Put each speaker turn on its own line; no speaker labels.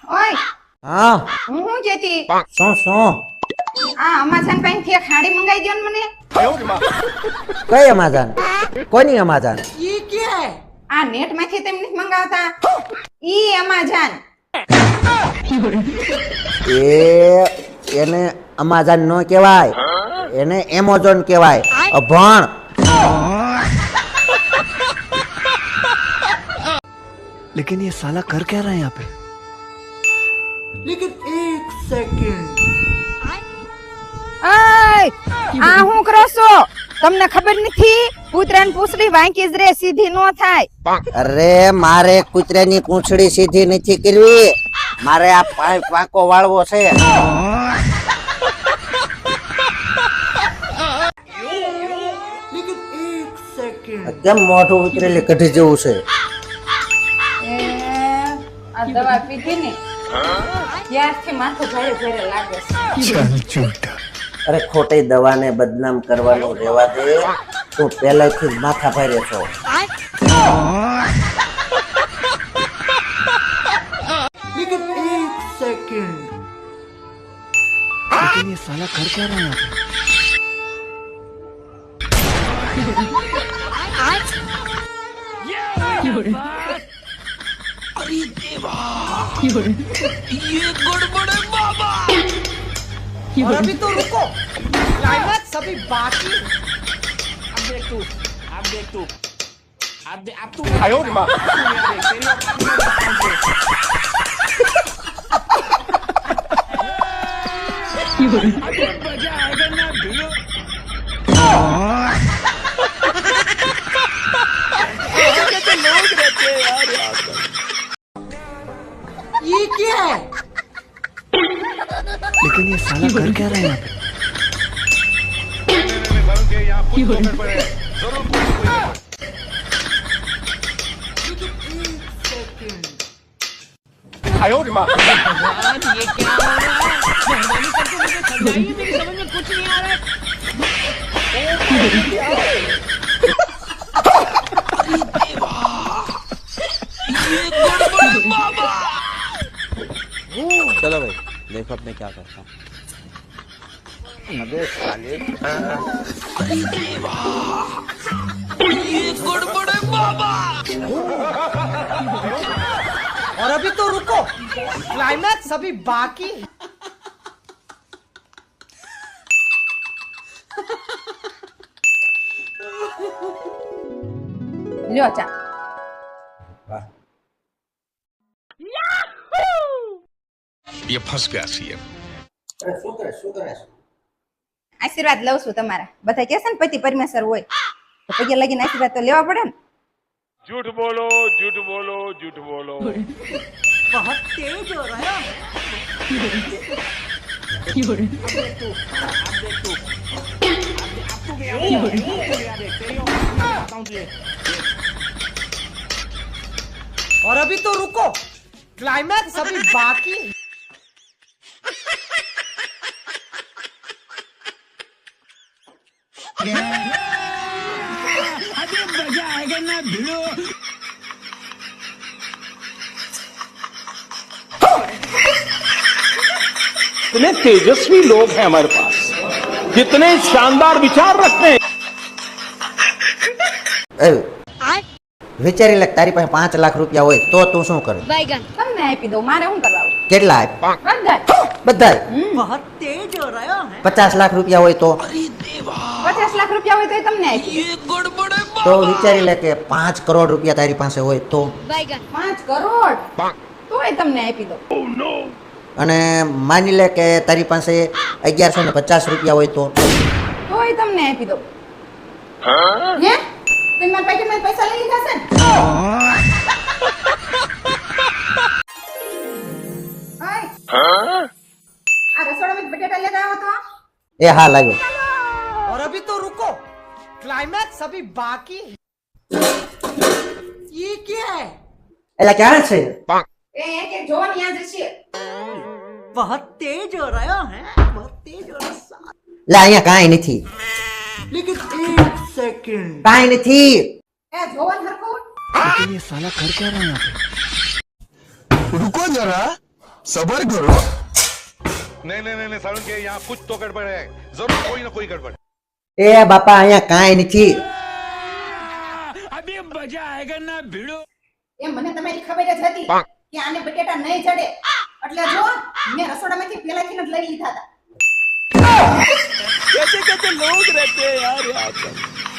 ઓય
હા
હું જેતી
શું
આ અમાઝન પાસેથી એક હાડી મંગાઈ દ્યો ને મને
કઈ અમાઝન કોની અમાઝન
આ નેટ માંથી તેમ નથી મંગાવતા ઈ અમાઝન
એને અમાઝન નો કહેવાય એને એમેઝોન કહેવાય અભણ
लेकिन ये साला कर क्या रहा है यहाँ पे
लेकिन एक सेकंड
ઓય આ હું કરો છો તમને ખબર નથી કૂતરાની પૂંછડી વાંકી જ રે સીધી નો થાય
અરે મારે કૂતરાની પૂંછડી સીધી નથી કરવી મારે આ પાંકો વાળવો છે
लेकिन एक सेकंड
કેમ મોઢું ઉતરેલી કઢી જેવું છે
એ આ દવા પીધી ને ત્યારથી માથું ભારે ભારે લાગે છે
અરે ખોટી દવાને બદનામ કરવાનું રહેવા દે તું પહેલેથી જ માથા ભારે છો
लेकिन एक सेकंड
लेकिन ये साला कर क्या रहा है यहाँ पे
और अभी तो रुको क्लाइमैक्स अभी बाकी ये क्या है
लेकिन ये साला कर क्या रहा है यहाँ पे
चलो भाई देखो अब मैं क्या करता हूँ अबे साले
और अभी तो रुको क्लाइमैक्स अभी बाकी
લ્યો ચા
ये फंस गया सीएम
આશીર્વાદ લઉં છું તમારા બધા કહે છે ને પતિ પરમેશ્વર હોય તો પગે લગીને આશીર્વાદ તો લેવા પડે ને
झूठ बोलो झूठ बोलो झूठ बोलो
बहुत तेज हो रहा है और अभी तो रुको क्लाइमैक्स अभी बाकी
इतने तेजस्वी लोग हैं हमारे पास कितने शानदार विचार रखते हैं
વિચારી લે તારી પાસે 5 લાખ રૂપિયા હોય તો તું શું કરે
તમને આપી દઉં મારે શું કરવાનું
કેટલા બધા
बहुत तेज हो रहा है
50 લાખ રૂપિયા હોય તો
50 લાખ રૂપિયા હોય તો તમને આપી
તો વિચારી લે કે 5 કરોડ રૂપિયા તારી પાસે હોય તો
5 કરોડ તોય તમને આપી દઉં
અને માની લે કે તારી પાસે 1150 રૂપિયા હોય તો
તોય તમને આપી દઉં હે તમે મારા પેકેટમાં પૈસા લઈ લીધા છે ને ઓય આ રસોડામાં બટેટા લેતા આવો તો
એ હા લાગ્યો
और अभी तो रुको क्लाइमैक्स अभी बाकी ये क्या है
એટલે ક્યાં છે
એ એક એક જોવા ન્યા જશે
बहुत तेज हो रहा है बहुत तेज हो रहा है
લે અહીંયા કાંઈ નથી
लेकिन एक सेकंड
કાંઈ નથી
એ જોવા હરખું
लेकिन ये साला कर क्या रहा है यहाँ पे
रुको जरा
सबर करो।
नहीं नहीं नहीं नहीं सारुण के यहाँ कुछ तो गड़बड़ है, जरूर कोई ना कोई गड़बड़।
એ બાપા અહીંયા કાંઈ નથી.
એ મને તમારી ખબર જ હતી કે આને બટેટા નહીં ચડે, એટલે જો મેં રસોડામાંથી પેલાથી જ લઈ લીધા હતા.
कैसे कैसे लोग रहते हैं यार यहाँ पर।